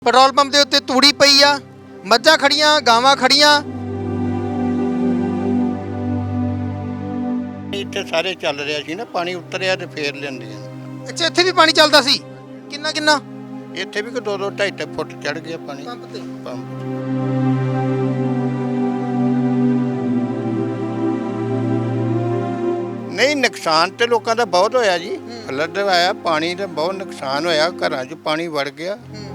Petrol pump ਦੇ ਉੱਤੇ ਤੂੜੀ ਪਈ ਆ, ਮੱਝਾਂ ਖੜੀਆਂ, ਗਾਵਾਂ ਖੜੀਆਂ। ਇੱਥੇ ਸਾਰੇ ਚੱਲ ਰਿਹਾ ਸੀ ਨਾ, ਪਾਣੀ ਉਤਰਿਆ ਤੇ ਫੇਰ ਲੈਂਦੀਆਂ। ਅੱਛਾ, ਇੱਥੇ ਵੀ ਪਾਣੀ ਚੱਲਦਾ ਸੀ? ਕਿੰਨਾ ਕਿੰਨਾ? ਇੱਥੇ ਵੀ ਕੋਈ 2-2 2.5 ਫੁੱਟ ਚੜ ਗਿਆ ਪਾਣੀ ਪੰਪ ਤੇ। ਪੰਪ। ਨਹੀਂ, ਨੁਕਸਾਨ ਤੇ ਲੋਕਾਂ ਦਾ ਬਹੁਤ ਹੋਇਆ ਜੀ। ਫਲੱਡ ਆਇਆ, ਪਾਣੀ ਦਾ ਬਹੁਤ ਨੁਕਸਾਨ ਹੋਇਆ, ਘਰਾਂ 'ਚ ਪਾਣੀ ਵੜ ਗਿਆ।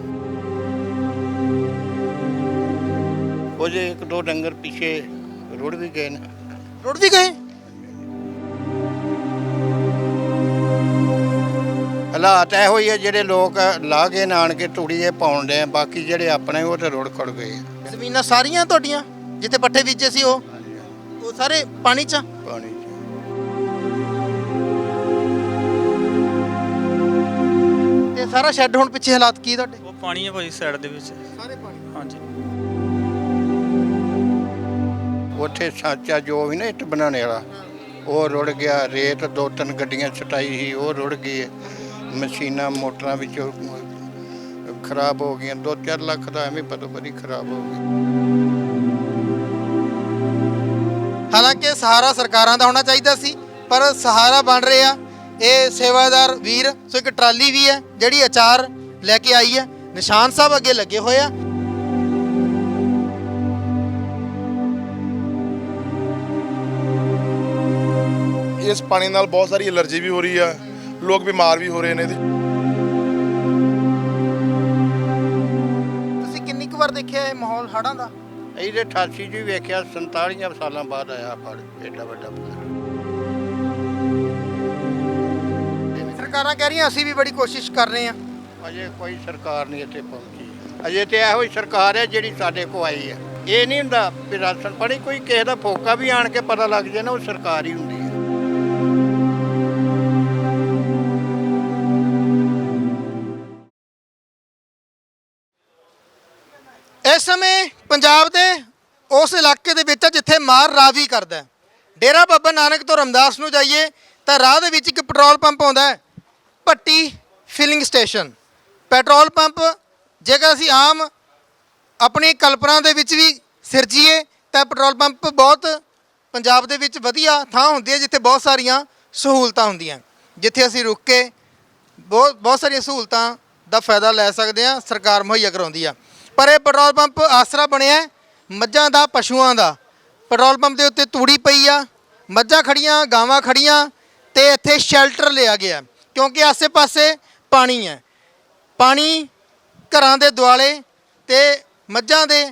ਉਹ ਜੇ 1-2 ਡੰਗਰ ਪਿੱਛੇ ਰੁੜ ਵੀ ਗਏ ਨੇ। ਰੁੜ ਵੀ ਗਏ? ਹਾਲਾਤ ਇਹੋ ਹੀ ਆ, ਜਿਹੜੇ ਲੋਕ ਲਾ ਕੇ ਆਣ ਕੇ ਤੂੜੀਏ ਪਾਉਣ ਦੇ ਆ, ਬਾਕੀ ਜਿਹੜੇ ਆਪਣੇ ਉਹ ਤੇ ਰੁੜ ਖੜ ਗਏ। ਜ਼ਮੀਨਾਂ ਸਾਰੀਆਂ ਤੁਹਾਡੀਆਂ ਜਿੱਥੇ ਪੱਠੇ ਬੀਜੇ ਸੀ ਉਹ ਸਾਰੇ ਪਾਣੀ 'ਚ? ਪਾਣੀ 'ਚ। ਤੇ ਸਾਰਾ ਸ਼ੈੱਡ ਹੁਣ ਪਿੱਛੇ ਹਾਲਾਤ ਕੀ ਤੁਹਾਡੇ? ਉਹ ਪਾਣੀ ਹੈ ਭਾਈ ਸਾਈਡ ਦੇ ਵਿੱਚ ਸਾਰੇ ਪਾਣੀ। ਹਾਂਜੀ। ਉੱਥੇ ਸਾਂਚਾ ਜੋ ਵੀ ਨਾ ਇੱਟ ਬਣਾਉਣੇ ਵਾਲਾ, ਉਹ ਰੁੜ ਗਿਆ। ਰੇਤ 2-3 ਗੱਡੀਆਂ ਛਟਾਈ ਸੀ, ਉਹ ਰੁੜ ਗਈ। ਮਸ਼ੀਨਾਂ ਮੋਟਰਾਂ ਵਿੱਚੋਂ ਖਰਾਬ ਹੋ ਗਈਆਂ। 2-4 ਲੱਖ ਦਾ ਐਵੇਂ ਬਰੀ ਖਰਾਬ ਹੋ ਗਈ। ਹਾਲਾਂਕਿ ਸਹਾਰਾ ਸਰਕਾਰਾਂ ਦਾ ਹੋਣਾ ਚਾਹੀਦਾ ਸੀ, ਪਰ ਸਹਾਰਾ ਬਣ ਰਹੇ ਆ ਇਹ ਸੇਵਾਦਾਰ ਵੀਰ। ਸੋ ਇੱਕ ਟਰਾਲੀ ਵੀ ਹੈ ਜਿਹੜੀ ਅਚਾਰ ਲੈ ਕੇ ਆਈ ਹੈ। ਨਿਸ਼ਾਨ ਸਾਹਿਬ ਅੱਗੇ ਲੱਗੇ ਹੋਏ ਆ। ਇਸ ਪਾਣੀ ਨਾਲ ਬਹੁਤ ਸਾਰੀ ਐਲਰਜੀ ਵੀ ਹੋ ਰਹੀ ਆ, ਲੋਕ ਬਿਮਾਰ ਵੀ ਹੋ ਰਹੇ ਨੇ। ਤੁਸੀਂ ਕਿੰਨੀ ਕੁ ਵਾਰ ਦੇਖਿਆ ਇਹ ਮਾਹੌਲ ਹੜ੍ਹਾਂ ਦਾ? ਇਹਦੇ 88 'ਚ ਵੀ ਵੇਖਿਆ, 47 ਸਾਲਾਂ ਬਾਅਦ ਆਇਆ ਫੜ ਏਡਾ ਵੱਡਾ ਫੜ। ਸਰਕਾਰਾਂ ਕਹਿ ਰਹੀਆਂ ਅਸੀਂ ਵੀ ਬੜੀ ਕੋਸ਼ਿਸ਼ ਕਰ ਰਹੇ ਹਾਂ। ਅਜੇ ਕੋਈ ਸਰਕਾਰ ਨਹੀਂ ਇੱਥੇ ਪਹੁੰਚੀ। ਅਜੇ ਤੇ ਇਹੋ ਹੀ ਸਰਕਾਰ ਹੈ ਜਿਹੜੀ ਸਾਡੇ ਕੋਲ ਆਈ ਹੈ। ਇਹ ਨਹੀਂ ਹੁੰਦਾ ਵੀ ਰਾਸ਼ਨ ਪਾਣੀ ਕੋਈ ਕਿਸੇ ਦਾ ਫੋਕਾ ਵੀ ਆਣ ਕੇ ਪਤਾ ਲੱਗ ਜਾਏ ਨਾ, ਉਹ ਸਰਕਾਰ ਹੀ ਹੁੰਦੀ ਹੈ। ਇਸ ਸਮੇਂ ਪੰਜਾਬ ਦੇ ਉਸ ਇਲਾਕੇ ਦੇ ਵਿੱਚ ਜਿੱਥੇ ਮਾਰ ਰਾਵੀ ਕਰਦਾ ਹੈ। ਡੇਰਾ ਬਾਬਾ ਨਾਨਕ ਤੋਂ ਰਮਦਾਸ ਨੂੰ ਜਾਈਏ ਤਾਂ ਰਾਹ ਦੇ ਵਿੱਚ ਇੱਕ ਪੈਟਰੋਲ ਪੰਪ ਆਉਂਦਾ ਹੈ, Bhatti filling station. Petrol pump ਜੇਕਰ ਅਸੀਂ ਆਮ ਆਪਣੀ ਕਲਪਨਾ ਦੇ ਵਿੱਚ ਵੀ ਸਿਰਜੀਏ ਤਾਂ ਪੈਟਰੋਲ ਪੰਪ ਬਹੁਤ ਪੰਜਾਬ ਦੇ ਵਿੱਚ ਵਧੀਆ ਥਾਂ ਹੁੰਦੀ ਹੈ ਜਿੱਥੇ ਬਹੁਤ ਸਾਰੀਆਂ ਸਹੂਲਤਾਂ ਹੁੰਦੀਆਂ, ਜਿੱਥੇ ਅਸੀਂ ਰੁਕ ਕੇ ਬਹੁਤ ਸਾਰੀਆਂ ਸਹੂਲਤਾਂ ਦਾ ਫਾਇਦਾ ਲੈ ਸਕਦੇ ਹਾਂ, ਸਰਕਾਰ ਮੁਹੱਈਆ ਕਰਾਉਂਦੀ ਆ। ਪਰ ਇਹ ਪੈਟਰੋਲ ਪੰਪ ਆਸਰਾ ਬਣਿਆ ਮੱਝਾਂ ਦਾ, ਪਸ਼ੂਆਂ ਦਾ। ਪੈਟਰੋਲ ਪੰਪ ਦੇ ਉੱਤੇ ਤੂੜੀ ਪਈ ਆ, ਮੱਝਾਂ ਖੜੀਆਂ, ਗਾਵਾਂ ਖੜੀਆਂ, ਤੇ ਇੱਥੇ ਸ਼ੈਲਟਰ ਲਿਆ ਗਿਆ ਕਿਉਂਕਿ ਆਸੇ-ਪਾਸੇ ਪਾਣੀ ਹੈ। ਪਾਣੀ ਘਰਾਂ ਦੇ ਦੁਆਲੇ ਤੇ ਮੱਝਾਂ ਦੇ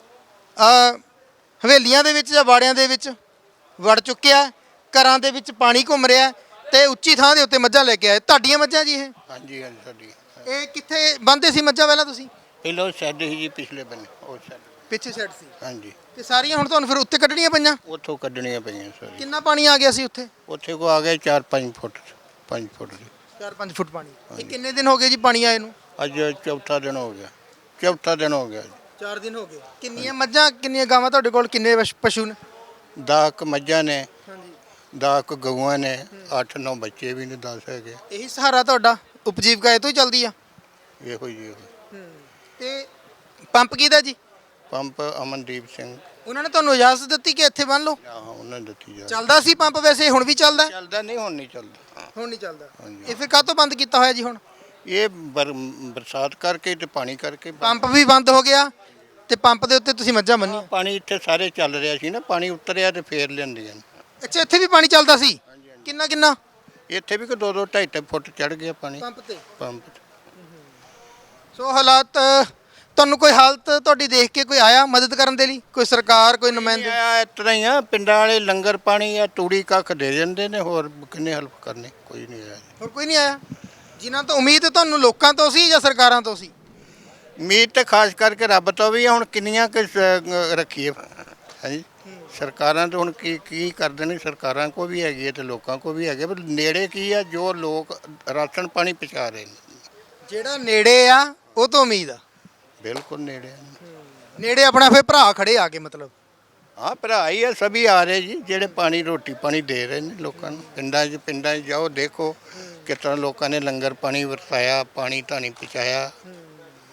ਹਵੇਲੀਆਂ ਦੇ ਵਿੱਚ ਜਾਂ ਵਾੜਿਆਂ ਦੇ ਵਿੱਚ ਵੜ ਚੁੱਕਿਆ। ਘਰਾਂ ਦੇ ਵਿੱਚ ਪਾਣੀ ਘੁੰਮ ਰਿਹਾ ਤੇ ਉੱਚੀ ਥਾਂ ਦੇ ਉੱਤੇ ਮੱਝਾਂ ਲੈ ਕੇ ਆਏ। ਤੁਹਾਡੀਆਂ ਮੱਝਾਂ ਜੀ ਇਹ? ਹਾਂਜੀ ਹਾਂਜੀ, ਸਾਡੀ। ਇਹ ਕਿੱਥੇ ਬੰਨ੍ਹਦੇ ਸੀ ਮੱਝਾਂ ਪਹਿਲਾਂ ਤੁਸੀਂ? ਪਹਿਲਾਂ ਸ਼ੈੱਡ ਸੀ ਜੀ, ਪਿਛਲੇ ਬੰਨੇ ਉਹ ਸ਼ੈੱਡ। ਪਿੱਛੇ ਸ਼ੈੱਡ ਸੀ? ਹਾਂਜੀ। ਤੇ ਸਾਰੀਆਂ ਹੁਣ ਤੁਹਾਨੂੰ ਫਿਰ ਉੱਤੇ ਕੱਢਣੀਆਂ ਪਈਆਂ? ਉੱਥੋਂ ਕੱਢਣੀਆਂ ਪਈਆਂ ਸਾਰੀ। ਕਿੰਨਾ ਪਾਣੀ ਆ ਗਿਆ ਸੀ ਉੱਥੇ? ਉੱਥੇ ਕੋ ਆ ਗਏ 4-5 ਫੁੱਟ, 5 ਫੁੱਟ ਦੀ। 4-5 ਫੁੱਟ ਪਾਣੀ। ਇਹ ਕਿੰਨੇ ਦਿਨ ਹੋ ਗਏ ਜੀ ਪਾਣੀ ਆਏ ਨੂੰ? ਅੱਜ ਚੌਥਾ ਦਿਨ ਹੋ ਗਿਆ। ਚੌਥਾ ਦਿਨ ਹੋ ਗਿਆ ਜੀ। 4 ਦਿਨ ਹੋ ਗਏ। ਕਿੰਨੀਆਂ ਮੱਝਾਂ, ਕਿੰਨੀਆਂ ਗਾਵਾਂ ਤੁਹਾਡੇ ਕੋਲ, ਕਿੰਨੇ ਪਸ਼ੂ ਨੇ? 10 ਕੁ ਮੱਝਾਂ ਨੇ, ਹਾਂਜੀ। 10 ਕੁ ਗਊਆਂ ਨੇ, 8-9 ਬੱਚੇ ਵੀ ਨੇ, 10 ਹੈਗੇ। ਇਹੀ ਸਹਾਰਾ ਤੁਹਾਡਾ? ਉਪਜੀਵਕਾ ਇਹ ਤੋਂ ਹੀ ਚੱਲਦੀ ਆ? ਇਹੋ ਹੀ ਇਹੋ। ਤੇ ਪੰਪ ਕਿਹਦਾ ਜੀ? ਪੰਪ ਅਮਨਦੀਪ ਸਿੰਘ। ਉਹਨਾਂ ਨੇ ਤੁਹਾਨੂੰ ਇਜਾਜ਼ਤ ਦਿੱਤੀ ਕਿ ਇੱਥੇ ਬੰਨ ਲਓ? ਹਾਂ, ਉਹਨਾਂ ਨੇ ਦਿੱਤੀ ਜਾ। ਚੱਲਦਾ ਸੀ ਪੰਪ ਵੈਸੇ? ਹੁਣ ਵੀ ਚੱਲਦਾ? ਚੱਲਦਾ ਨਹੀਂ, ਹੁਣ ਨਹੀਂ ਚੱਲਦਾ। ਹੁਣ ਨਹੀਂ ਚੱਲਦਾ। ਹਾਂਜੀ। ਇਹ ਫਿਰ ਕਾਹਤੋਂ ਬੰਦ ਕੀਤਾ ਹੋਇਆ ਜੀ ਹੁਣ? ਇਹ ਬਰਸਾਤ ਕਰਕੇ ਤੇ ਪਾਣੀ ਕਰਕੇ ਪੰਪ ਵੀ ਬੰਦ ਹੋ ਗਿਆ ਤੇ ਪੰਪ ਦੇ ਉੱਤੇ ਤੁਸੀਂ ਮੱਝਾਂ ਬੰਨੀਆਂ? ਪਾਣੀ ਇੱਥੇ ਸਾਰੇ ਚੱਲ ਰਿਹਾ ਸੀ ਨਾ, ਪਾਣੀ ਉਤਰਿਆ ਤੇ ਫੇਰ ਲੈਂਦੀਆਂ। ਅੱਛਾ, ਇੱਥੇ ਵੀ ਪਾਣੀ ਚੱਲਦਾ ਸੀ? ਕਿੰਨਾ ਕਿੰਨਾ? ਇੱਥੇ ਵੀ ਕੋਈ 2-2 2.5 ਫੁੱਟ ਚੜ ਗਿਆ ਪਾਣੀ ਪੰਪ ਤੇ। ਪੰਪ ਤੇ। ਸੋ ਹਾਲਾਤ ਤੁਹਾਨੂੰ ਕੋਈ ਹਾਲਤ ਤੁਹਾਡੀ ਦੇਖ ਕੇ ਕੋਈ ਆਇਆ ਮਦਦ ਕਰਨ ਦੇ ਲਈ? ਕੋਈ ਸਰਕਾਰ, ਕੋਈ ਨੁਮਾਇੰਦੇ? ਆਇਆ ਇਸ ਤਰ੍ਹਾਂ ਹੀ ਆ, ਪਿੰਡਾਂ ਵਾਲੇ ਲੰਗਰ ਪਾਣੀ ਆ, ਤੂੜੀ ਕੱਖ ਦੇ ਜਾਂਦੇ ਨੇ, ਹੋਰ ਕਿੰਨੇ ਹੈਲਪ ਕਰਨੀ? ਕੋਈ ਨਹੀਂ ਆਇਆ। ਹੋਰ ਕੋਈ ਨਹੀਂ ਆਇਆ? ਜਿਨ੍ਹਾਂ ਤੋਂ ਉਮੀਦ ਤੁਹਾਨੂੰ ਲੋਕਾਂ ਤੋਂ ਸੀ ਜਾਂ ਸਰਕਾਰਾਂ ਤੋਂ ਸੀ? ਉਮੀਦ ਤੇ ਖਾਸ ਕਰਕੇ ਰੱਬ ਤੋਂ ਵੀ ਆ। ਹੁਣ ਕਿੰਨੀਆਂ ਕੁ ਰੱਖੀਏ? ਹਾਂਜੀ, ਸਰਕਾਰਾਂ ਤਾਂ ਹੁਣ ਕੀ ਕਰਦੇ ਨੇ? ਸਰਕਾਰਾਂ ਕੋ ਵੀ ਹੈਗੀ ਹੈ ਤੇ ਲੋਕਾਂ ਕੋ ਵੀ ਹੈਗੇ, ਪਰ ਨੇੜੇ ਕੀ ਆ, ਜੋ ਲੋਕ ਰਾਸ਼ਨ ਪਾਣੀ ਪਹੁੰਚਾ ਰਹੇ ਨੇ। ਜਿਹੜਾ ਨੇੜੇ ਆ ਉਹ ਤੋਂ ਉਮੀਦ ਆ? ਬਿਲਕੁਲ ਨੇੜੇ ਆ। ਨੇੜੇ ਆਪਣਾ ਫਿਰ ਭਰਾ ਖੜੇ ਆ ਕੇ ਮਤਲਬ? हाँ भरा ही है, सभी आ रहे जी जेड़े पानी रोटी पानी दे रहे हैं लोगों को। पिंडा जाओ देखो किस तरह लोगों ने लंगर पानी वरसाया, पानी धानी पहुँचाया।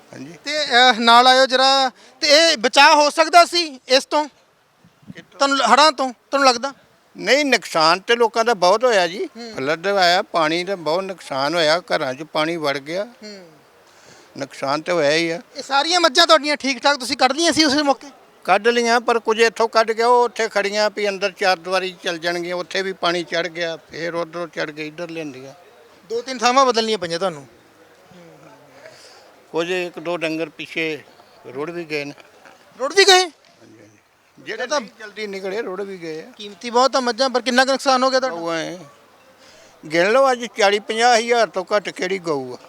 ਹਾਂਜੀ। ਤੇ ਨਾਲ ਆਇਓ ਜਰਾ। ਤੇ ਇਹ ਬਚਾਅ ਹੋ ਸਕਦਾ ਸੀ ਇਸ ਤੋਂ, ਤੁਹਾਨੂੰ ਹੜ੍ਹਾਂ ਤੋਂ ਤੁਹਾਨੂੰ ਲੱਗਦਾ? ਨਹੀਂ, ਨੁਕਸਾਨ ਤੇ ਲੋਕਾਂ ਦਾ ਬਹੁਤ ਹੋਇਆ ਜੀ। ਫਲੱਡ ਆਇਆ, ਪਾਣੀ ਦਾ ਬਹੁਤ ਨੁਕਸਾਨ ਹੋਇਆ, ਘਰਾਂ 'ਚ ਪਾਣੀ ਵੜ ਗਿਆ, ਨੁਕਸਾਨ ਤੇ ਹੋਇਆ ਹੀ ਆ। ਇਹ ਸਾਰੀਆਂ ਮੱਝਾਂ ਤੁਹਾਡੀਆਂ ਠੀਕ ਠਾਕ ਤੁਸੀਂ ਕੱਢ ਲਈਆਂ ਸੀ ਉਸ ਮੌਕੇ? ਕੱਢ ਲੀਆਂ, ਪਰ ਕੁਝ ਇੱਥੋਂ ਕੱਢ ਗਿਆ, ਉਹ ਉੱਥੇ ਖੜੀਆਂ ਵੀ ਅੰਦਰ ਚਾਰ ਦੀਵਾਰੀ ਚੱਲ ਜਾਣਗੀਆਂ, ਉੱਥੇ ਵੀ ਪਾਣੀ ਚੜ ਗਿਆ, ਫਿਰ ਉੱਧਰੋਂ ਚੜ ਕੇ ਇੱਧਰ ਲੈਂਦੀਆਂ। 2-3 ਥਾਵਾਂ ਬਦਲਣੀਆਂ ਪਈਆਂ ਤੁਹਾਨੂੰ? ਕੁਝ ਇੱਕ ਦੋ ਡੰਗਰ ਪਿੱਛੇ ਰੁੜ ਵੀ ਗਏ ਨੇ। ਰੁੜ ਵੀ ਗਏ? ਜਿਹੜੇ ਤਾਂ ਜਲਦੀ ਨਿਕਲੇ ਰੁੜ ਵੀ ਗਏ ਆ। ਕੀਮਤੀ ਬਹੁਤ ਆ ਮੱਝਾਂ, ਪਰ ਕਿੰਨਾ ਕੁ ਨੁਕਸਾਨ ਹੋ ਗਿਆ ਤੁਹਾਡਾ? ਗਊ ਐ ਗਿਣ ਲਓ, ਅੱਜ 40-50 ਹਜ਼ਾਰ ਤੋਂ ਘੱਟ ਕਿਹੜੀ ਗਊ ਆ।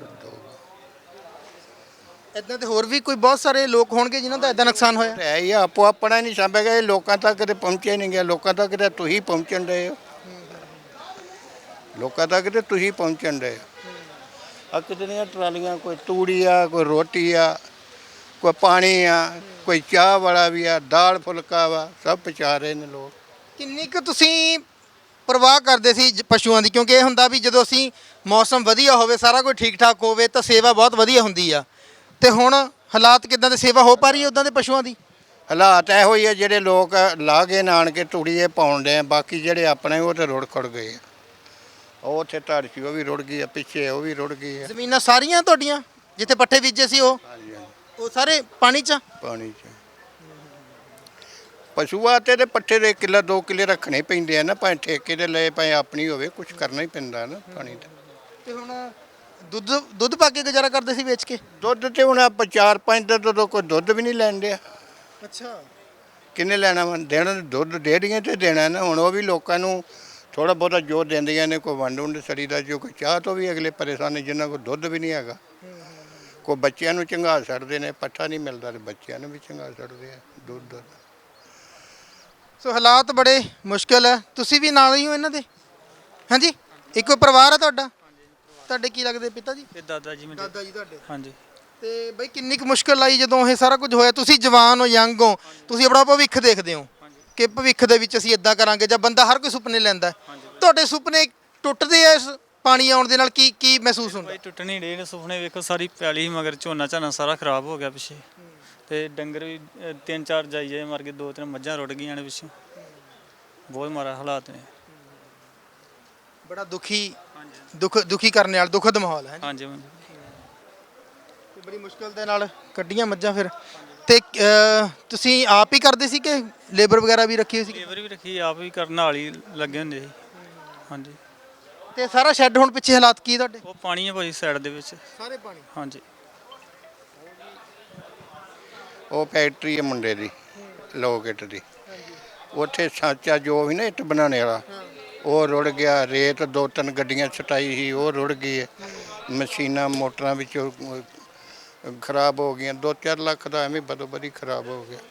ਇਦਾਂ ਤੇ ਹੋਰ ਵੀ ਕੋਈ ਬਹੁਤ ਸਾਰੇ ਲੋਕ ਹੋਣਗੇ ਜਿਨ੍ਹਾਂ ਦਾ ਇਦਾਂ ਨੁਕਸਾਨ ਹੋਇਆ? ਹੈ ਹੀ ਆ, ਆਪੋ ਆਪਣਾ ਨਹੀਂ ਸਾਂਭਿਆ ਗਿਆ, ਇਹ ਲੋਕਾਂ ਤੱਕ ਤੇ ਪਹੁੰਚੇ ਨਹੀਂ ਗਿਆ। ਲੋਕਾਂ ਤੱਕ ਤੇ ਤੁਸੀਂ ਪਹੁੰਚਣ ਡਏ ਹੋ, ਲੋਕਾਂ ਤੱਕ ਤੇ ਤੁਸੀਂ ਪਹੁੰਚਣ ਡਏ ਹੋ। ਆ ਕਿਤਨੀਆਂ ਟਰਾਲੀਆਂ, ਕੋਈ ਤੂੜੀ ਆ, ਕੋਈ ਰੋਟੀ ਆ, ਕੋਈ ਪਾਣੀ ਆ, ਕੋਈ ਚਾਹ ਵਾਲਾ ਵੀ ਆ, ਦਾਲ ਫੁਲਕਾ ਵਾ, ਸਭ ਪਹੁੰਚਾ ਰਹੇ ਨੇ ਲੋਕ। ਕਿੰਨੀ ਕੁ ਤੁਸੀਂ ਪਰਵਾਹ ਕਰਦੇ ਸੀ ਪਸ਼ੂਆਂ ਦੀ? ਕਿਉਂਕਿ ਇਹ ਹੁੰਦਾ ਵੀ ਜਦੋਂ ਅਸੀਂ ਮੌਸਮ ਵਧੀਆ ਹੋਵੇ, ਸਾਰਾ ਕੁਝ ਠੀਕ ਠਾਕ ਹੋਵੇ ਤਾਂ ਸੇਵਾ ਬਹੁਤ ਵਧੀਆ ਹੁੰਦੀ ਆ। ਤੇ ਹੁਣ ਹਾਲਾਤ ਕਿੱਦਾਂ ਦੇ, ਸੇਵਾ ਹੋ ਪਾ ਰਹੀ ਹੈ ਉੱਦਾਂ ਦੇ ਪਸ਼ੂਆਂ ਦੀ? ਹਾਲਾਤ ਇਹੋ ਹੀ ਆ, ਜਿਹੜੇ ਲੋਕ ਲਾ ਕੇ ਨਾਣ ਕੇ ਤੂੜੀਏ ਪਾਉਣ ਦੇ ਆ, ਬਾਕੀ ਜਿਹੜੇ ਆਪਣੇ ਉਹ ਤੇ ਰੁੜ ਖੜ ਗਏ ਆ। ਉਹ ਉੱਥੇ ਧੜ ਸੀ, ਉਹ ਵੀ ਰੁੜ ਗਈ ਆ, ਪਿੱਛੇ ਉਹ ਵੀ ਰੁੜ ਗਈ ਆ। ਜ਼ਮੀਨਾਂ ਸਾਰੀਆਂ ਤੁਹਾਡੀਆਂ ਜਿੱਥੇ ਪੱਠੇ ਬੀਜੇ ਸੀ ਉਹ ਹਾਂਜੀ ਹਾਂਜੀ, ਉਹ ਸਾਰੇ ਪਾਣੀ 'ਚ? ਪਾਣੀ 'ਚ। ਪਸ਼ੂਆਂ ਤੇ ਪੱਠੇ ਦੇ ਕਿੱਲਾ 2 ਕਿੱਲੇ ਰੱਖਣੇ ਪੈਂਦੇ ਆ ਨਾ, ਭਾਵੇਂ ਠੇਕੇ ਦੇ ਲਏ ਭਾਵੇਂ ਆਪਣੀ ਹੋਵੇ, ਕੁਝ ਕਰਨਾ ਹੀ ਪੈਂਦਾ ਨਾ ਪਾਣੀ ਦਾ। ਤੇ ਹੁਣ ਦੁੱਧ ਪਾ ਕੇ ਗੁਜ਼ਾਰਾ ਕਰਦੇ ਸੀ ਵੇਚ ਕੇ? ਦੁੱਧ ਤੇ ਹੁਣ ਆਪਾਂ 4-5 ਦਾ ਤੋਂ ਕੋਈ ਦੁੱਧ ਵੀ ਨਹੀਂ ਲੈਣ ਡਿਆ। ਅੱਛਾ। ਕਿੰਨੇ ਲੈਣਾ ਵਾ? ਦੇਣਾ ਦੁੱਧ ਡੇਅਰੀਆਂ ਤੇ ਦੇਣਾ ਨਾ। ਹੁਣ ਉਹ ਵੀ ਲੋਕਾਂ ਨੂੰ ਥੋੜਾ ਬਹੁਤਾ ਜੋਰ ਦਿੰਦੀਆਂ ਨੇ, ਕੋਈ ਵੰਡ ਵੁੰਡ ਸੜੀ ਦਾ, ਜੋ ਕੋਈ ਚਾਹ ਤੋਂ ਵੀ ਅਗਲੇ ਪਰੇਸ਼ਾਨ ਨੇ, ਜਿਨ੍ਹਾਂ ਕੋਲ ਦੁੱਧ ਵੀ ਨਹੀਂ ਹੈਗਾ। ਕੋਈ ਬੱਚਿਆਂ ਨੂੰ ਚੰਗਾ ਛੱਡਦੇ ਨੇ, ਪੱਠਾ ਨਹੀਂ ਮਿਲਦਾ ਤੇ ਬੱਚਿਆਂ ਨੂੰ ਵੀ ਚੰਗਾ ਛੱਡਦੇ ਆ ਦੁੱਧ। ਸੋ ਹਾਲਾਤ ਬੜੇ ਮੁਸ਼ਕਿਲ ਹੈ। ਤੁਸੀਂ ਵੀ ਨਾਲ ਹੀ ਹੋ ਇਹਨਾਂ ਦੇ? ਹਾਂਜੀ, ਇੱਕੋ ਪਰਿਵਾਰ ਹੈ ਤੁਹਾਡਾ? ਤੁਹਾਡੇ ਕੀ ਲੱਗਦੇ ਪਿਤਾ ਜੀ? ਇਹ ਦਾਦਾ ਜੀ ਮੇਰੇ। ਦਾਦਾ ਜੀ ਤੁਹਾਡੇ? ਹਾਂਜੀ। ਤੇ ਬਈ ਕਿੰਨੀ ਕੁ ਮੁਸ਼ਕਿਲ ਆਈ ਜਦੋਂ ਇਹ ਸਾਰਾ ਕੁਝ ਹੋਇਆ? ਤੁਸੀਂ ਜਵਾਨ ਹੋ, ਯੰਗ ਹੋ, ਤੁਸੀਂ ਆਪਣਾ ਭਵਿੱਖ ਦੇਖਦੇ ਹੋ ਕਿ ਭਵਿੱਖ ਦੇ ਵਿੱਚ ਅਸੀਂ ਇਦਾਂ ਕਰਾਂਗੇ, ਜਾਂ ਬੰਦਾ ਹਰ ਕੋਈ ਸੁਪਨੇ ਲੈਂਦਾ। ਤੁਹਾਡੇ ਸੁਪਨੇ ਟੁੱਟਦੇ ਆ ਇਸ ਪਾਣੀ ਆਉਣ ਦੇ ਨਾਲ? ਕੀ ਮਹਿਸੂਸ ਹੁੰਦਾ? ਭਾਈ ਟੁੱਟਣੀ ਡੇ ਨੇ ਸੁਪਨੇ, ਵੇਖੋ ਸਾਰੀ ਪੈਲੀ ਸੀ ਮਗਰ, ਝੋਨਾ ਝਾਨਾ ਸਾਰਾ ਖਰਾਬ ਹੋ ਗਿਆ ਪਿੱਛੇ, ਤੇ ਡੰਗਰ ਵੀ 3-4 ਜਾਈਏ ਮਰ ਗਏ, 2-3 ਮੱਝਾਂ ਰੁੜ ਗਈਆਂ ਨੇ ਪਿੱਛੇ। ਬਹੁਤ ਮਾੜਾ ਹਾਲਾਤ ਨੇ। ਬੜਾ ਦੁਖੀ ਕਰਨ ਵਾਲਾ ਦੁਖਦ ਮਾਹੌਲ ਹੈ। ਹਾਂਜੀ। ਤੇ ਬੜੀ ਮੁਸ਼ਕਿਲ ਦੇ ਨਾਲ ਕੱਢੀਆਂ ਮੱਝਾਂ ਫਿਰ। ਤੇ ਤੁਸੀਂ ਆਪ ਹੀ ਕਰਦੇ ਸੀ ਕਿ ਲੇਬਰ ਵਗੈਰਾ ਵੀ ਰੱਖੀ ਹੋਈ ਸੀ? ਲੇਬਰ ਵੀ ਰੱਖੀ, ਆਪ ਵੀ ਕਰਨ ਨਾਲ ਹੀ ਲੱਗੇ ਹੁੰਦੇ ਸੀ। ਹਾਂਜੀ। ਤੇ ਸਾਰਾ ਸ਼ੈੱਡ ਹੁਣ ਪਿੱਛੇ ਹਾਲਾਤ ਕੀ ਤੁਹਾਡੇ? ਉਹ ਪਾਣੀ ਹੈ ਭਾਈ ਸਾਈਡ ਦੇ ਵਿੱਚ ਸਾਰੇ ਪਾਣੀ? ਹਾਂਜੀ। ਉਹ ਫੈਕਟਰੀ ਹੈ ਮੁੰਡੇ ਦੀ, ਲੋਕੇਟ ਦੀ, ਉੱਥੇ ਸਾਂਚਾ ਜੋ ਵੀ ਨਾ ਇੱਟ ਬਣਾਉਣੇ ਵਾਲਾ, ਉਹ ਰੁੜ ਗਿਆ। ਰੇਤ 2-3 ਗੱਡੀਆਂ ਛਟਾਈ ਸੀ, ਉਹ ਰੁੜ ਗਈ ਹੈ। ਮਸ਼ੀਨਾਂ ਮੋਟਰਾਂ ਵਿੱਚੋਂ ਖਰਾਬ ਹੋ ਗਈਆਂ। 2-4 ਲੱਖ ਦਾ ਐਵੇਂ ਬਦੋ ਬਦੀ ਖਰਾਬ ਹੋ ਗਿਆ।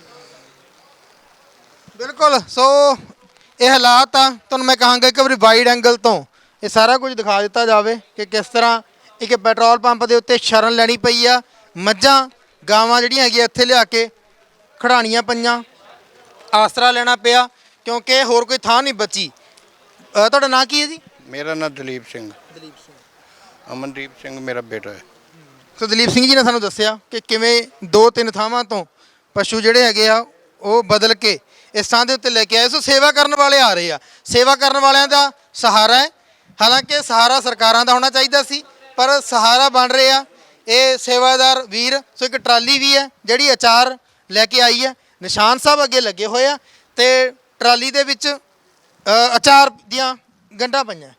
ਬਿਲਕੁਲ। ਸੋ ਇਹ ਹਾਲਾਤ ਆ, ਤੁਹਾਨੂੰ ਮੈਂ ਕਹਾਂਗਾ ਇੱਕ ਵਾਰੀ ਵਾਈਡ ਐਂਗਲ ਤੋਂ ਇਹ ਸਾਰਾ ਕੁਝ ਦਿਖਾ ਦਿੱਤਾ ਜਾਵੇ ਕਿ ਕਿਸ ਤਰ੍ਹਾਂ ਇੱਕ ਪੈਟਰੋਲ ਪੰਪ ਦੇ ਉੱਤੇ ਸ਼ਰਨ ਲੈਣੀ ਪਈ ਆ। ਮੱਝਾਂ ਗਾਵਾਂ ਜਿਹੜੀਆਂ ਹੈਗੀਆਂ ਇੱਥੇ ਲਿਆ ਕੇ ਖੜਾਣੀਆਂ ਪਈਆਂ, ਆਸਰਾ ਲੈਣਾ ਪਿਆ ਕਿਉਂਕਿ ਹੋਰ ਕੋਈ ਥਾਂ ਨਹੀਂ ਬਚੀ। ਤੁਹਾਡਾ ਨਾਂ ਕੀ ਹੈ ਜੀ? ਮੇਰਾ ਨਾਮ ਦਲੀਪ ਸਿੰਘ। ਦਲੀਪ ਸਿੰਘ। ਅਮਨਦੀਪ ਸਿੰਘ ਮੇਰਾ ਬੇਟਾ ਹੈ। ਸੋ ਦਲੀਪ ਸਿੰਘ ਜੀ ਨੇ ਸਾਨੂੰ ਦੱਸਿਆ ਕਿ ਕਿਵੇਂ 2-3 ਥਾਵਾਂ ਤੋਂ ਪਸ਼ੂ ਜਿਹੜੇ ਹੈਗੇ ਆ ਉਹ ਬਦਲ ਕੇ ਇਸ ਥਾਂ ਦੇ ਉੱਤੇ ਲੈ ਕੇ ਆਏ। ਸੋ ਸੇਵਾ ਕਰਨ ਵਾਲੇ ਆ ਰਹੇ ਆ, ਸੇਵਾ ਕਰਨ ਵਾਲਿਆਂ ਦਾ ਸਹਾਰਾ ਹੈ। ਹਾਲਾਂਕਿ ਸਹਾਰਾ ਸਰਕਾਰਾਂ ਦਾ ਹੋਣਾ ਚਾਹੀਦਾ ਸੀ, ਪਰ ਸਹਾਰਾ ਬਣ ਰਹੇ ਆ ਇਹ ਸੇਵਾਦਾਰ ਵੀਰ। ਸੋ ਇੱਕ ਟਰਾਲੀ ਵੀ ਹੈ ਜਿਹੜੀ ਅਚਾਰ ਲੈ ਕੇ ਆਈ ਹੈ, ਨਿਸ਼ਾਨ ਸਾਹਿਬ ਅੱਗੇ ਲੱਗੇ ਹੋਏ ਆ ਤੇ ਟਰਾਲੀ ਦੇ ਵਿੱਚ ਅਚਾਰ ਦੀਆਂ ਗੰਢਾਂ ਪਈਆਂ।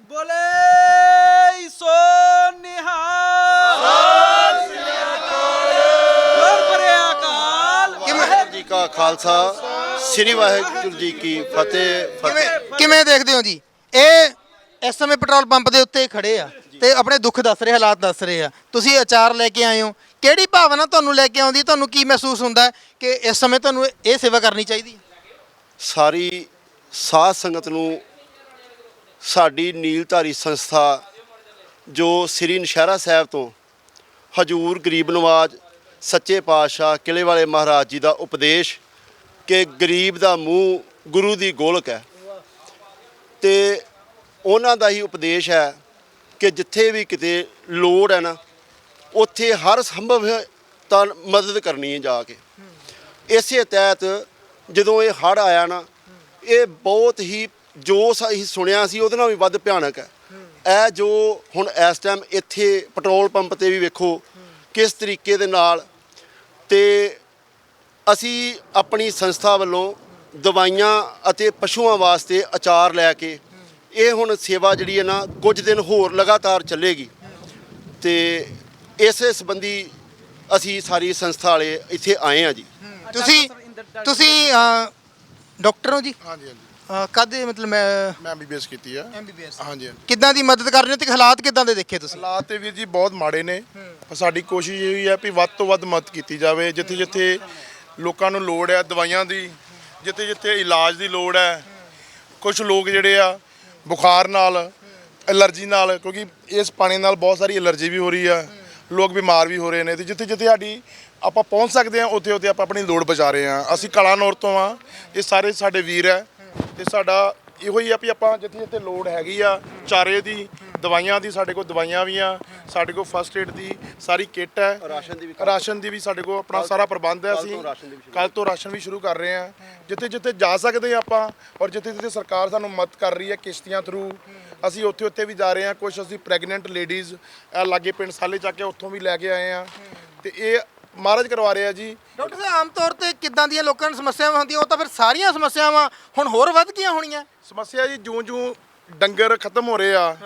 ਬੋਲੇ ਸੋ ਨਿਹਾਲ, ਵਾਹਿਗੁਰੂ ਜੀ ਕਾ ਖਾਲਸਾ, ਸ੍ਰੀ ਵਾਹਿਗੁਰੂ ਜੀ ਕੀ ਫਤਿਹ। ਕਿਵੇਂ ਦੇਖਦੇ ਹੋ ਜੀ? ਇਹ ਇਸ ਸਮੇਂ ਪੈਟਰੋਲ ਪੰਪ ਦੇ ਉੱਤੇ ਖੜੇ ਆ ਤੇ ਆਪਣੇ ਦੁੱਖ ਦੱਸ ਰਹੇ, ਹਾਲਾਤ ਦੱਸ ਰਹੇ ਆ। ਤੁਸੀਂ ਅਚਾਰ ਲੈ ਕੇ ਆਏ ਹੋ, ਕਿਹੜੀ ਭਾਵਨਾ ਤੁਹਾਨੂੰ ਲੈ ਕੇ ਆਉਂਦੀ? ਤੁਹਾਨੂੰ ਕੀ ਮਹਿਸੂਸ ਹੁੰਦਾ ਕਿ ਇਸ ਸਮੇਂ ਤੁਹਾਨੂੰ ਇਹ ਸੇਵਾ ਕਰਨੀ ਚਾਹੀਦੀ ਹੈ? ਸਾਰੀ ਸਾਧ ਸੰਗਤ ਨੂੰ ਸਾਡੀ ਨੀਲਧਾਰੀ ਸੰਸਥਾ ਜੋ ਸ੍ਰੀ ਨਸ਼ਹਿਰਾ ਸਾਹਿਬ ਤੋਂ ਹਜੂਰ ਗਰੀਬ ਨਵਾਜ ਸੱਚੇ ਪਾਤਸ਼ਾਹ ਕਿਲੇ ਵਾਲੇ ਮਹਾਰਾਜ ਜੀ ਦਾ ਉਪਦੇਸ਼ ਕਿ ਗਰੀਬ ਦਾ ਮੂੰਹ ਗੁਰੂ ਦੀ ਗੋਲਕ ਹੈ, ਤੇ ਉਹਨਾਂ ਦਾ ਹੀ ਉਪਦੇਸ਼ ਹੈ ਕਿ ਜਿੱਥੇ ਵੀ ਕਿਤੇ ਲੋੜ ਹੈ ਨਾ, ਉੱਥੇ ਹਰ ਸੰਭਵ ਤਾਂ ਮਦਦ ਕਰਨੀ ਹੈ ਜਾ ਕੇ। ਇਸੇ ਤਹਿਤ ਜਦੋਂ ਇਹ ਹੜ੍ਹ ਆਇਆ ਨਾ, ਇਹ ਬਹੁਤ ਹੀ ਜੋ ਅਸੀਂ ਸੁਣਿਆ ਸੀ ਉਹਦੇ ਨਾਲ ਵੀ ਵੱਧ ਭਿਆਨਕ ਹੈ। ਇਹ ਜੋ ਹੁਣ ਇਸ ਟਾਈਮ ਇੱਥੇ ਪੈਟਰੋਲ ਪੰਪ ਤੇ ਵੀ ਵੇਖੋ ਕਿਸ ਤਰੀਕੇ ਦੇ ਨਾਲ, ਤੇ ਅਸੀਂ ਆਪਣੀ ਸੰਸਥਾ ਵੱਲੋਂ ਦਵਾਈਆਂ ਅਤੇ ਪਸ਼ੂਆਂ ਵਾਸਤੇ ਅਚਾਰ ਲੈ ਕੇ ਇਹ ਹੁਣ ਸੇਵਾ ਜਿਹੜੀ ਹੈ ਨਾ ਕੁਝ ਦਿਨ ਹੋਰ ਲਗਾਤਾਰ ਚੱਲੇਗੀ। ਤੇ ਇਸੇ ਸੰਬੰਧੀ ਅਸੀਂ ਸਾਰੀ ਸੰਸਥਾ ਵਾਲੇ ਇੱਥੇ ਆਏ ਹਾਂ ਜੀ। ਤੁਸੀਂ ਡਾਕਟਰ ਹੋ ਜੀ? ਹਾਂਜੀ ਹਾਂਜੀ ਕਦੇ ਮਤਲਬ ਮੈਂ ਮੈਂ ਐਮਬੀਬੀਐਸ ਕੀਤੀ ਆ। MBBS ਹਾਂਜੀ ਕਿੱਦਾਂ ਦੀ ਮਦਦ ਕਰ ਰਹੇ ਹੋ ਤੇ ਹਾਲਾਤ ਕਿੱਦਾਂ ਦੇ ਦੇਖੇ ਤੁਸੀਂ? ਹਾਲਾਤ ਤੇ ਵੀਰ ਜੀ ਬਹੁਤ ਮਾੜੇ ਨੇ, ਪਰ ਸਾਡੀ ਕੋਸ਼ਿਸ਼ ਇਹ ਹੀ ਹੈ ਵੀ ਵੱਧ ਤੋਂ ਵੱਧ ਮਦਦ ਕੀਤੀ ਜਾਵੇ। ਜਿੱਥੇ ਜਿੱਥੇ ਲੋਕਾਂ ਨੂੰ ਲੋੜ ਹੈ ਦਵਾਈਆਂ ਦੀ, ਜਿੱਥੇ ਜਿੱਥੇ ਇਲਾਜ ਦੀ ਲੋੜ ਹੈ। ਕੁਝ ਲੋਕ ਜਿਹੜੇ ਆ ਬੁਖਾਰ ਨਾਲ, ਐਲਰਜੀ ਨਾਲ, ਕਿਉਂਕਿ ਇਸ ਪਾਣੀ ਨਾਲ ਬਹੁਤ ਸਾਰੀ ਐਲਰਜੀ ਵੀ ਹੋ ਰਹੀ ਆ, ਲੋਕ ਬਿਮਾਰ ਵੀ ਹੋ ਰਹੇ ਨੇ, ਤੇ ਜਿੱਥੇ ਜਿੱਥੇ ਸਾਡੀ ਆਪਾਂ ਪਹੁੰਚ ਸਕਦੇ ਹਾਂ ਉੱਥੇ ਉੱਥੇ ਆਪਾਂ ਆਪਣੀ ਲੋੜ ਬਚਾ ਰਹੇ ਹਾਂ। ਅਸੀਂ ਕਲਾਨੌਰ ਤੋਂ ਆ, ਇਹ ਸਾਰੇ ਸਾਡੇ ਵੀਰ ਹੈ, ਤੇ ਸਾਡਾ ਇਹੋ ਹੀ ਆ ਵੀ ਆਪਾਂ ਜਿੱਥੇ ਜਿੱਥੇ ਲੋੜ ਹੈਗੀ ਆ ਚਾਰੇ ਦੀ, ਦਵਾਈਆਂ ਦੀ, ਸਾਡੇ ਕੋਲ ਦਵਾਈਆਂ ਵੀ ਆ, ਸਾਡੇ ਕੋਲ ਫਸਟ ਏਡ ਦੀ ਸਾਰੀ ਕਿੱਟ ਹੈ, ਰਾਸ਼ਨ ਦੀ ਵੀ ਸਾਡੇ ਕੋਲ ਆਪਣਾ ਸਾਰਾ ਪ੍ਰਬੰਧ ਹੈ। ਅਸੀਂ ਕੱਲ ਤੋਂ ਰਾਸ਼ਨ ਵੀ ਸ਼ੁਰੂ ਕਰ ਰਹੇ ਹਾਂ। ਜਿੱਥੇ ਜਿੱਥੇ ਜਾ ਸਕਦੇ ਹਾਂ ਆਪਾਂ, ਔਰ ਜਿੱਥੇ ਜਿੱਥੇ ਸਰਕਾਰ ਸਾਨੂੰ ਮਦਦ ਕਰ ਰਹੀ ਹੈ ਕਿਸ਼ਤੀਆਂ ਥਰੂ, ਅਸੀਂ ਉੱਥੇ ਉੱਥੇ ਵੀ ਜਾ ਰਹੇ ਹਾਂ। ਕੁਝ ਅਸੀਂ ਪ੍ਰੈਗਨੈਂਟ ਲੇਡੀਜ਼ ਲਾਗੇ ਪਿੰਡ ਸਾਲੇ ਚੱਕ ਕੇ ਉੱਥੋਂ ਵੀ ਲੈ ਕੇ ਆਏ ਹਾਂ, ਤੇ ਇਹ ਮਹਾਰਾਜ ਕਰਵਾ ਰਿਹਾ ਜੀ। ਡਾਕਟਰ ਸਾਹਿਬ ਆਮ ਤੌਰ ਤੇ ਕਿੱਦਾਂ ਦੀਆਂ ਲੋਕਾਂ ਨੂੰ ਸਮੱਸਿਆਵਾਂ ਹੁੰਦੀਆਂ? ਉਹ ਤਾਂ ਫਿਰ ਸਾਰੀਆਂ ਸਮੱਸਿਆਵਾਂ ਹੁਣ ਹੋਰ ਵੱਧ ਗਈਆਂ ਹੋਣੀਆਂ। ਸਮੱਸਿਆ ਜੀ ਜਿਉਂ ਡੰਗਰ ਖਤਮ ਹੋ ਰਹੇ ਆ,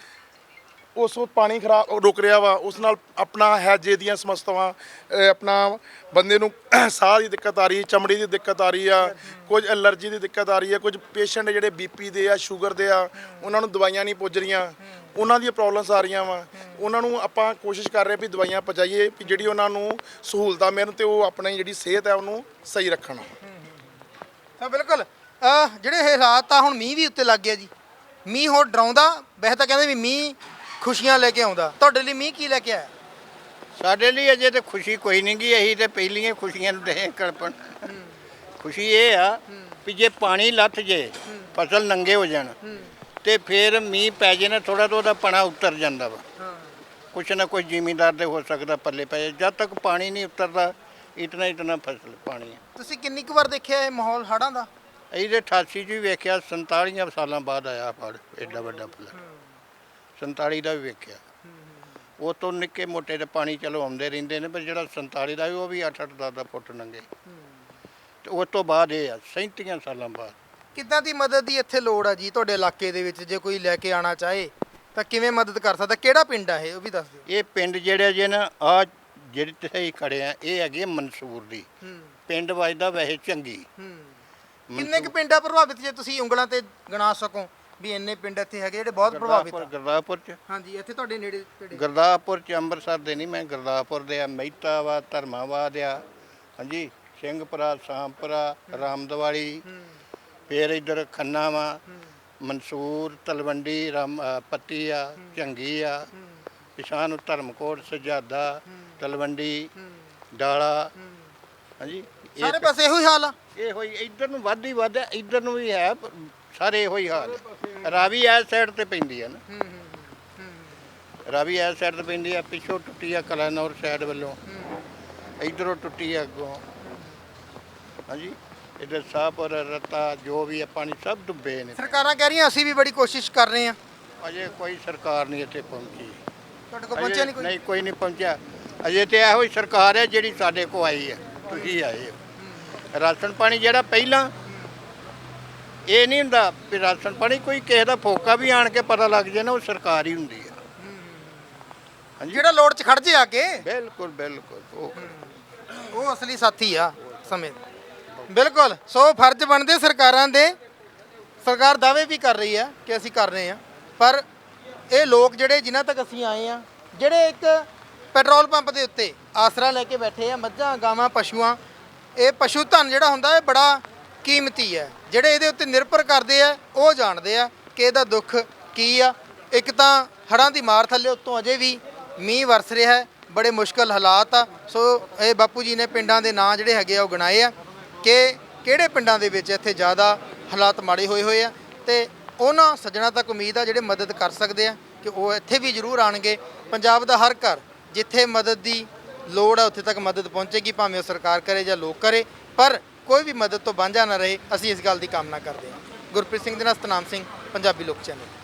ਉਸ ਪਾਣੀ ਖਰਾਬ ਰੁਕ ਰਿਹਾ ਵਾ, ਉਸ ਨਾਲ ਆਪਣਾ ਹੈਜੇ ਦੀਆਂ ਸਮੱਸਿਆਵਾਂ, ਆਪਣਾ ਬੰਦੇ ਨੂੰ ਸਾਹ ਦੀ ਦਿੱਕਤ ਆ ਰਹੀ, ਚਮੜੀ ਦੀ ਦਿੱਕਤ ਆ ਰਹੀ ਆ, ਕੁਝ ਐਲਰਜੀ ਦੀ ਦਿੱਕਤ ਆ ਰਹੀ ਹੈ, ਕੁਝ ਪੇਸ਼ੈਂਟ ਜਿਹੜੇ ਬੀਪੀ ਦੇ ਆ, ਸ਼ੂਗਰ ਦੇ ਆ, ਉਹਨਾਂ ਨੂੰ ਦਵਾਈਆਂ ਨਹੀਂ ਪੁੱਜ ਰਹੀਆਂ, ਉਹਨਾਂ ਦੀਆਂ ਪ੍ਰੋਬਲਮਸ ਆ ਰਹੀਆਂ ਵਾ। ਉਹਨਾਂ ਨੂੰ ਆਪਾਂ ਕੋਸ਼ਿਸ਼ ਕਰ ਰਹੇ ਵੀ ਦਵਾਈਆਂ ਪਹੁੰਚਾਈਏ ਵੀ ਜਿਹੜੀ ਉਹਨਾਂ ਨੂੰ ਸਹੂਲਤਾਂ ਮਿਲਣ ਤੇ ਉਹ ਆਪਣੀ ਜਿਹੜੀ ਸਿਹਤ ਹੈ ਉਹਨੂੰ ਸਹੀ ਰੱਖਣ। ਤਾਂ ਬਿਲਕੁਲ ਜਿਹੜੇ ਹਾਲਾਤ ਆ, ਹੁਣ ਮੀਂਹ ਵੀ ਉੱਤੇ ਲੱਗ ਗਿਆ ਜੀ। ਮੀਂਹ ਹੋਰ ਡਰਾਉਂਦਾ, ਵੈਸੇ ਤਾਂ ਕਹਿੰਦੇ ਵੀ ਮੀਂਹ ਖੁਸ਼ੀਆਂ ਲੈ ਕੇ ਆਉਂਦਾ, ਤੁਹਾਡੇ ਲਈ ਮੀਂਹ ਕੀ ਲੈ ਕੇ ਆਇਆ? ਸਾਡੇ ਲਈ ਅਜੇ ਤੇ ਖੁਸ਼ੀ ਕੋਈ ਨਹੀਂ ਗਈ, ਅਸੀਂ ਤੇ ਪਹਿਲੀਆਂ ਖੁਸ਼ੀਆਂ ਨੂੰ ਦੇ ਕਲਪਣ। ਖੁਸ਼ੀ ਇਹ ਆ ਵੀ ਜੇ ਪਾਣੀ ਲੱਥ ਜੇ, ਫਸਲ ਨੰਗੇ ਹੋ ਜਾਣ, ਤੇ ਫਿਰ ਮੀਂਹ ਪੈ ਜੇ ਨਾ ਥੋੜਾ ਤਾਂ ਉਹਦਾ ਪਣਾ ਉਤਰ ਜਾਂਦਾ ਵਾ। ਕੁਛ ਨਾ ਕੁਛ ਜ਼ਿਮੀਂਦਾਰ ਦੇ ਹੋ ਸਕਦਾ ਪੱਲੇ ਪੈ ਜਾਏ। ਜਦ ਤੱਕ ਪਾਣੀ ਨਹੀਂ ਉਤਰਦਾ ਇਤਨਾ ਫਸਲ ਪਾਣੀ ਹੈ। ਤੁਸੀਂ ਕਿੰਨੀ ਕੁ ਵਾਰ ਦੇਖਿਆ ਇਹ ਮਾਹੌਲ ਹੜ੍ਹਾਂ ਦਾ? ਅਸੀਂ ਤੇ 88 'ਚ ਵੀ ਵੇਖਿਆ, 47 ਸਾਲਾਂ ਬਾਅਦ ਆਇਆ ਹੜ੍ਹ, ਐਡਾ ਵੱਡਾ ਫਲ। 47 ਦਾ ਵੀ ਵੇਖਿਆ, ਉਹ ਤੋਂ ਨਿੱਕੇ ਮੋਟੇ ਤੇ ਪਾਣੀ ਚਲੋ ਆਉਂਦੇ ਰਹਿੰਦੇ ਨੇ, ਪਰ ਜਿਹੜਾ 47 ਦਾ ਉਹ ਵੀ 8-8 10 ਫੁੱਟ ਨੰਗੇ, ਤੇ ਉਸ ਤੋਂ ਬਾਅਦ ਇਹ ਆ 37 ਸਾਲਾਂ ਬਾਅਦ। ਕਿੱਦਾਂ ਦੀ ਮਦਦ ਦੀ ਇੱਥੇ ਲੋੜ ਆ ਜੀ ਤੁਹਾਡੇ ਇਲਾਕੇ ਦੇ ਵਿੱਚ? ਜੇ ਕੋਈ ਲੈ ਕੇ ਆਣਾ ਚਾਹੇ ਤਾਂ ਕਿਵੇਂ ਮਦਦ ਕਰ ਸਕਦਾ? ਕਿਹੜਾ ਪਿੰਡ ਆ ਇਹ, ਉਹ ਵੀ ਦੱਸ ਦਿਓ। ਇਹ ਪਿੰਡ ਜਿਹੜੇ ਜੇ ਨਾ ਆ ਜਿਹੜੇ ਤੇ ਖੜੇ ਆ, ਇਹ ਹੈਗੇ ਮਨਸੂਰ ਦੀ। ਪਿੰਡ ਵੱਜਦਾ ਵੈਸੇ ਚੰਗੀ। ਕਿੰਨੇ ਕੁ ਪਿੰਡ ਆ ਪ੍ਰਭਾਵਿਤ, ਜੇ ਤੁਸੀਂ ਉਂਗਲਾਂ ਤੇ ਗਿਣਾ ਸਕੋ ਵੀ ਇੰਨੇ ਪਿੰਡ ਇੱਥੇ ਹੈਗੇ ਜਿਹੜੇ ਬਹੁਤ ਪ੍ਰਭਾਵਿਤ ਆ? ਗੁਰਦਾਸਪੁਰ ਚ, ਹਾਂਜੀ ਇੱਥੇ ਤੁਹਾਡੇ ਨੇੜੇ ਤੇੜੇ। ਗੁਰਦਾਸਪੁਰ ਚ, ਅੰਮ੍ਰਿਤਸਰ ਦੇ ਨਹੀਂ, ਮੈਂ ਗੁਰਦਾਸਪੁਰ ਦੇ ਆ, ਮਹਿਤਾ ਵਾ, ਧਰਮਾਵਾਦ ਆ, ਹਾਂਜੀ, ਸਿੰਘਪੁਰਾ, ਸਾਂਪੁਰਾ, ਰਾਮਦਵਾਲੀ, ਫਿਰ ਇੱਧਰ ਖੰਨਾ ਵਾ, ਮਨਸੂਰ, ਤਲਵੰਡੀ, ਪੱਤੀ ਆ, ਝੰਗੀ ਆ, ਪਿਛਾਂ ਨੂੰ ਧਰਮਕੋਟ, ਸਜਾਦਾ, ਤਲਵੰਡੀ, ਡਾਲਾ, ਹਾਂਜੀ, ਸਾਰੇ ਪਾਸੇ ਇਹੋ ਹੀ ਹਾਲ ਆ। ਇਹੋ ਹੀ ਇੱਧਰ ਨੂੰ ਵੱਧ ਹੀ ਵੱਧ, ਇੱਧਰ ਨੂੰ ਵੀ ਹੈ, ਸਾਰੇ ਇਹੋ ਹੀ ਹਾਲ ਹੈ। ਰਾਵੀ ਇਸ ਸਾਈਡ ਤੇ ਪੈਂਦੀ ਹੈ ਨਾ, ਰਾਵੀ ਇਸ ਸਾਈਡ ਤੇ ਪੈਂਦੀ ਆ, ਪਿੱਛੋਂ ਟੁੱਟੀ ਆ ਕਲਾਨੌਰ ਸਾਈਡ ਵੱਲੋਂ, ਇੱਧਰੋਂ ਟੁੱਟੀ ਆ ਅੱਗੋਂ, ਹਾਂਜੀ, ਇੱਧਰ ਸਾਹਪੁਰ, ਰਤਾ, ਜੋ ਵੀ ਹੈ ਪਾਣੀ ਸਭ ਡੁੱਬੇ ਨੇ। ਸਰਕਾਰਾਂ ਕਹਿ ਰਹੀਆਂ ਅਸੀਂ ਵੀ ਬੜੀ ਕੋਸ਼ਿਸ਼ ਕਰ ਰਹੇ ਹਾਂ। ਅਜੇ ਕੋਈ ਸਰਕਾਰ ਨਹੀਂ ਇੱਥੇ ਪਹੁੰਚੀ। ਤੁਹਾਡੇ ਕੋਲ ਪਹੁੰਚਿਆ ਨਹੀਂ ਕੋਈ? ਨਹੀਂ, ਕੋਈ ਨਹੀਂ ਪਹੁੰਚਿਆ ਅਜੇ। ਤੇ ਇਹੋ ਹੀ ਸਰਕਾਰ ਹੈ ਜਿਹੜੀ ਸਾਡੇ ਕੋਲ ਆਈ ਹੈ, ਤੁਸੀਂ ਆਏ ਹੋ। ਰਾਸ਼ਨ ਪਾਣੀ ਜਿਹੜਾ ਪਹਿਲਾਂ ਇਹ ਨਹੀਂ ਹੁੰਦਾ ਵੀ ਰਾਸ਼ਨ ਪਾਣੀ ਕੋਈ ਕਿਸੇ ਦਾ ਫੋਕਾ ਵੀ ਆਣ ਕੇ ਪਤਾ ਲੱਗ ਜਾਏ ਨਾ, ਉਹ ਸਰਕਾਰ ਹੀ ਹੁੰਦੀ ਹੈ। ਹਾਂਜੀ, ਜਿਹੜਾ ਲੋੜ 'ਚ ਖੜ ਜੇ ਆ ਕੇ। ਬਿਲਕੁਲ ਬਿਲਕੁਲ, ਉਹ ਅਸਲੀ ਸਾਥੀ ਆ ਸਮੇਂ ਦਾ। ਬਿਲਕੁਲ, ਸੋ ਫਰਜ਼ ਬਣਦੇ ਸਰਕਾਰਾਂ ਦੇ। ਸਰਕਾਰ ਦਾਅਵੇ ਵੀ ਕਰ ਰਹੀ ਆ ਕਿ ਅਸੀਂ ਕਰ ਰਹੇ ਆ, ਪਰ ਇਹ ਲੋਕ ਜਿਹੜੇ ਜਿਨ੍ਹਾਂ ਤੱਕ ਅਸੀਂ ਆਏ ਆ, ਜਿਹੜੇ ਇੱਕ ਪੈਟਰੋਲ ਪੰਪ ਦੇ ਉੱਤੇ ਆਸਰਾ ਲੈ ਕੇ ਬੈਠੇ ਆ, ਮੱਝਾਂ, ਗਾਵਾਂ, ਪਸ਼ੂਆਂ, ਇਹ ਪਸ਼ੂ ਧਨ ਜਿਹੜਾ ਹੁੰਦਾ ਇਹ ਬੜਾ ਕੀਮਤੀ ਹੈ। ਜਿਹੜੇ ਇਹਦੇ ਉੱਤੇ ਨਿਰਭਰ ਕਰਦੇ ਆ ਉਹ ਜਾਣਦੇ ਆ ਕਿ ਇਹਦਾ ਦੁੱਖ ਕੀ ਆ। ਇੱਕ ਤਾਂ ਹੜ੍ਹਾਂ ਦੀ ਮਾਰ ਥੱਲੇ ਉੱਤੋਂ ਅਜੇ ਵੀ ਮੀਂਹ ਵਰਸ ਰਿਹਾ ਹੈ, ਬੜੇ ਮੁਸ਼ਕਲ ਹਾਲਾਤ ਆ। ਸੋ ਇਹ ਬਾਪੂ ਜੀ ਨੇ ਪਿੰਡਾਂ ਦੇ ਨਾਂ ਜਿਹੜੇ ਹੈਗੇ ਆ ਉਹ ਗਿਣਾਏ ਆ ਕਿ ਕਿਹੜੇ ਪਿੰਡਾਂ ਦੇ ਵਿੱਚ ਇੱਥੇ ਜ਼ਿਆਦਾ ਹਾਲਾਤ ਮਾੜੇ ਹੋਏ ਆ, ਤੇ ਉਹਨਾਂ ਸੱਜਣਾ ਤੱਕ ਉਮੀਦ ਆ ਜਿਹੜੇ ਮਦਦ ਕਰ ਸਕਦੇ ਆ ਕਿ ਉਹ ਇੱਥੇ ਵੀ ਜ਼ਰੂਰ ਆਣਗੇ। ਪੰਜਾਬ ਦਾ ਹਰ ਘਰ ਜਿੱਥੇ ਮਦਦ ਦੀ ਲੋੜ ਹੈ ਉੱਥੇ ਤੱਕ ਮਦਦ ਪਹੁੰਚੇਗੀ, ਭਾਵੇਂ ਉਹ ਸਰਕਾਰ ਕਰੇ ਜਾਂ ਲੋਕ ਕਰੇ, ਪਰ ਕੋਈ ਵੀ ਮਦਦ ਤੋਂ ਵਾਂਝਾ ਨਾ ਰਹੇ। ਅਸੀਂ ਇਸ ਗੱਲ ਦੀ ਕਾਮਨਾ ਕਰਦੇ ਹਾਂ। ਗੁਰਪ੍ਰੀਤ ਸਿੰਘ ਦੇ ਨਾਲ ਸਤਨਾਮ ਸਿੰਘ, ਪੰਜਾਬੀ ਲੋਕ ਚੈਨਲ।